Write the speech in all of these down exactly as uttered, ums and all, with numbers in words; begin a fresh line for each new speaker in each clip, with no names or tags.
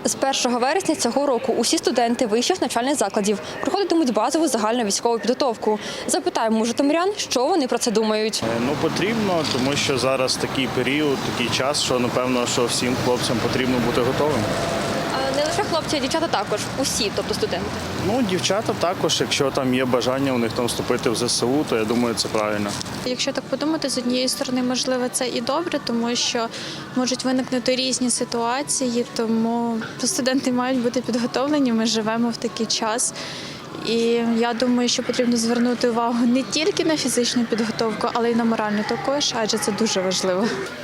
З першого вересня цього року усі студенти вищих навчальних закладів проходитимуть базову загальну військову підготовку. Запитаємо у житомирян, що вони про це думають.
Ну, потрібно, тому що зараз такий період, такий час, що, напевно, що всім хлопцям потрібно бути готовим.
Не лише хлопці, а дівчата також, усі, тобто студенти.
Ну, дівчата також, якщо там є бажання у них там вступити в зе се у, то я думаю, це правильно.
Якщо так подумати, з однієї сторони, можливо, це і добре, тому що можуть виникнути різні ситуації, тому студенти мають бути підготовлені, ми живемо в такий час. І я думаю, що потрібно звернути увагу не тільки на фізичну підготовку, але й на моральну також, адже це дуже важливо.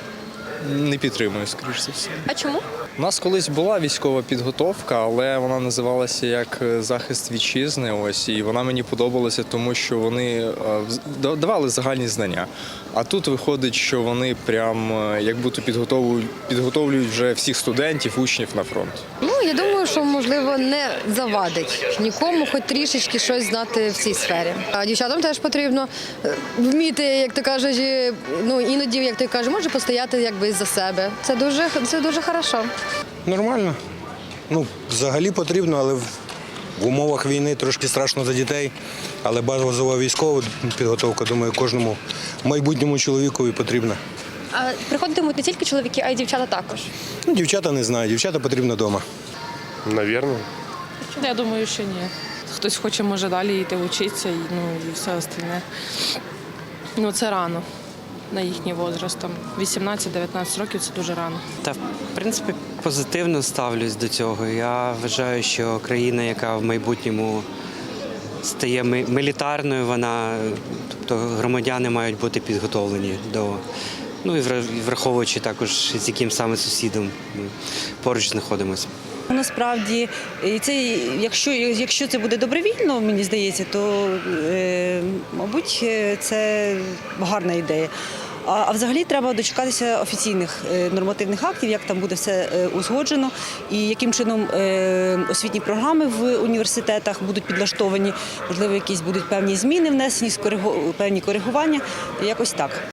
Не підтримую, скоріш за все.
А чому?
У нас колись була військова підготовка, але вона називалася як захист вітчизни. Ось, і вона мені подобалася, тому що вони давали загальні знання. А тут виходить, що вони прям як будто підготовлюють, підготовлюють вже всіх студентів, учнів на фронт.
Ну, я думаю, що, можливо, не завадить нікому хоч трішечки щось знати в цій сфері. А дівчатам теж потрібно вміти, як ти кажеш, ну, іноді, як ти кажеш, може постояти якби за себе. Це дуже, це дуже хорошо.
Нормально. Ну, взагалі потрібно, але в умовах війни трошки страшно за дітей. Але базова військова підготовка, думаю, кожному майбутньому чоловікові потрібна.
А приходитимуть не тільки чоловіки, а й дівчата також.
Ну, дівчата не знаю, дівчата потрібно вдома.
Навірно.
Я думаю, що ні. Хтось хоче, може, далі йти вчитися, і, ну, і все остальне. Ну, це рано на їхній возраст. Там вісімнадцять-дев'ятнадцять років – це дуже рано.
Та, в принципі, позитивно ставлюсь до цього. Я вважаю, що країна, яка в майбутньому стає мілітарною, вона, тобто громадяни мають бути підготовлені до, ну і враховуючи також, з яким саме сусідом ми поруч знаходимося.
Насправді, це, якщо, якщо це буде добровільно, мені здається, то, е, мабуть, це гарна ідея. А, а взагалі треба дочекатися офіційних е, нормативних актів, як там буде все е, узгоджено і яким чином е, освітні програми в університетах будуть підлаштовані, можливо, якісь будуть певні зміни внесені, певні коригування, якось так.